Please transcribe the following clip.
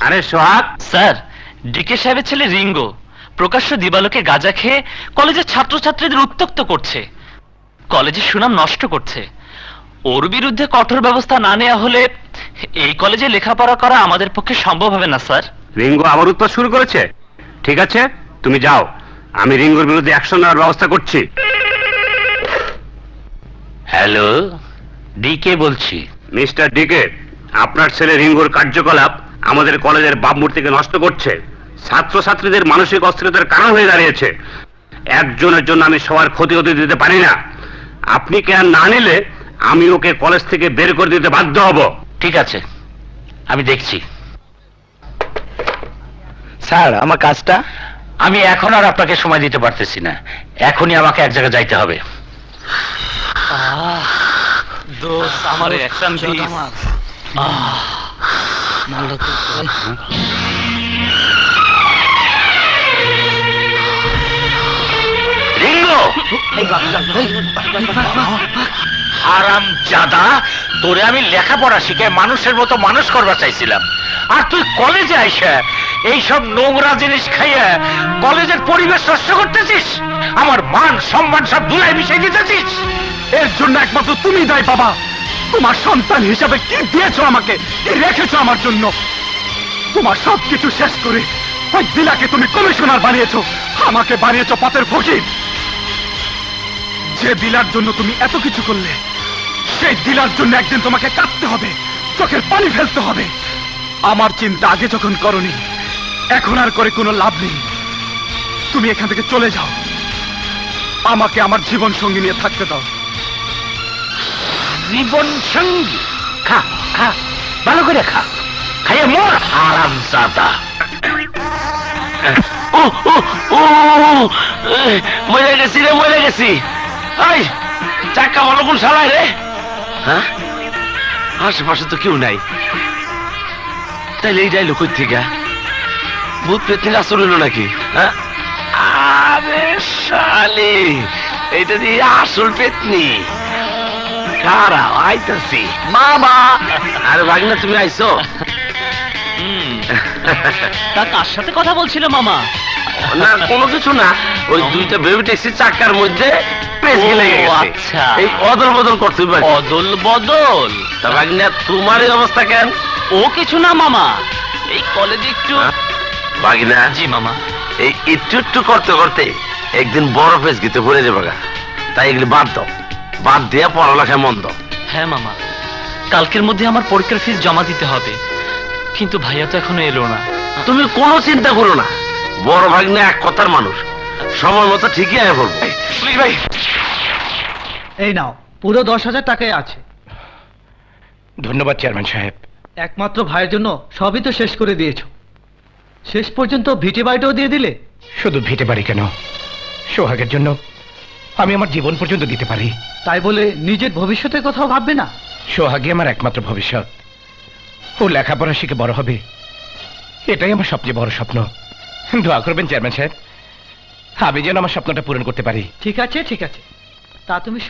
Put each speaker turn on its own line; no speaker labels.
আরে সোহাগ,
sir, decay সাহেবের ছেলে রিঙ্গো প্রকাশ্য দিবালোকে গাঁজা খেয়ে কলেজের ছাত্রছাত্রীদের উত্ত্যক্ত করছে, কলেজের সুনাম নষ্ট করছে। ওর বিরুদ্ধে কঠোর ব্যবস্থা না নেওয়া হলে এই কলেজে লেখাপড়া করা আমাদের পক্ষে সম্ভব হবে না স্যার।
রিঙ্গো আবার উৎপাত শুরু করেছে। ঠিক আছে, তুমি যাও, আমি রিঙ্গোর বিরুদ্ধে অ্যাকশন নেওয়ার ব্যবস্থা করছি।
হ্যালো, ডিকে বলছি।
মিস্টার ডিকে, আপনার ছেলে রিঙ্গোর কার্যকলাপ আমাদের কলেজের ভাবমূর্তিকে নষ্ট করছে, ছাত্রছাত্রীদের মানসিক অস্থিরতার কারণ হয়ে দাঁড়িয়েছে। একজনের জন্য আমি সবার ক্ষতি হতে দিতে পারি না। আপনি কেন না নিলে আমি ওকে কলেজ থেকে বের করে দিতে বাধ্য হব।
ঠিক আছে, আমি দেখছি।
স্যার, আমার কাজটা?
আমি এখন আর আপনাকে সময় দিতে পারতেছি না, এখনই আমাকে এক জায়গায় যাইতে হবে। আমার অ্যাকশন দিস। রিঙ্গো, হারাম জাদা, তোরে আমি লেখাপড়া শিখে মানুষের মতো মানুষ করবা চাইছিলাম, আর তুই কলেজে আইসা এইসব নোংরা জিনিস খাইয়া কলেজের পরিবেশ নষ্ট করতেছিস, আমার মান সম্মান সব ধুলাই মিশিয়ে দিতেছিস।
এর জন্য একমাত্র তুমি দায়ী বাবা। তোমার সন্তান হিসাবে কি দিয়েছো আমাকে, কি রেখেছো আমার জন্য? তোমার সবকিছু শেষ করে ওই দিলাকে তুমি কমিশনার বানিয়েছো, আমাকে বানিয়েছো পথের ফকির। যে দিলার জন্য তুমি এত কিছু করলে, সেই দিলার জন্য একদিন তোমাকে কাঁদতে হবে, চোখের পানি ফেলতে হবে। আমার চিন্তা আগে যখন করনি, এখন আর করে কোনো লাভ নেই। তুমি এখান থেকে চলে যাও, আমাকে আমার জীবন সঙ্গী নিয়ে থাকতে দাও।
জীবন সঙ্গী? খা খা, ভালো করে খা, খাইয়ে মোর হারাম জাদা। ও ও ও, মরে গেছি রে, মরে গেছি। এই চাক্কা ভালো কোন শালায় রে? হ্যাঁ, আশেপাশে তো কেউ নাই, তাইলে এই যাইলো কই থেকে? ভূত পেতনির আসর হইল নাকি? হ্যাঁ, আরে শালি, এইটা দিয়ে আসল পেতনি। কারা আইতাছি? মামা। আরে ভাগনা, তুমি আইছো? তা কার সাথে কথা বলছিল মামা? না, কোনো কিছু না, ওই দুইটা বেবি ট্যাক্সির চাকার মধ্যে পেঁচে লেগে গেছে। আচ্ছা, এই অদল বদল করতে পারি। অদল বদল? তা ভাগনা, তোমার এই অবস্থা কেন? ও কিছু না মামা, এই কলেজে একটু। ভাগনা? জি মামা। এই একটু একটু করতে করতে একদিন বড় পেঁচ গিতে পড়ে যাবে, তাই এগুলি বাদ দাও, বাদ দিয়া পড়ালেখায় মন দাও। হ্যাঁ মামা, কালকের মধ্যে আমার পরীক্ষার ফিস জমা দিতে হবে, কিন্তু ভাইয়া তো এখনো এলো না। তুমি কোনো চিন্তা করো না, বড় ভাগ্নে এক কথার মানুষ, সময় মতো ঠিকই আয় পড়বো। ভাই,
এই নাও, পুরো 10,000 টাকাই আছে।
ধন্যবাদ চেয়ারম্যান সাহেব।
একমাত্র ভাইয়ের জন্য সবই তো শেষ করে দিয়েছো, শেষ পর্যন্ত ভিটে বাড়িটাও দিয়ে দিলে।
শুধু ভিটে বাড়ি কেন, সোহাগের জন্য আমি আমার জীবন পর্যন্ত দিতে পারি।
তাই বলে নিজের ভবিষ্যতের কথাও ভাববে না?
সোহাগই আমার একমাত্র ভবিষ্যৎ। ও লেখাপড়া শিখে বড় হবে, এটাই আমার সবচেয়ে বড় স্বপ্ন। দোয়া করবেন চেয়ারম্যান সাহেব, আমি যেন আমার স্বপ্নটা পূরণ করতে পারি।
ঠিক আছে, ঠিক আছে, তা তুমি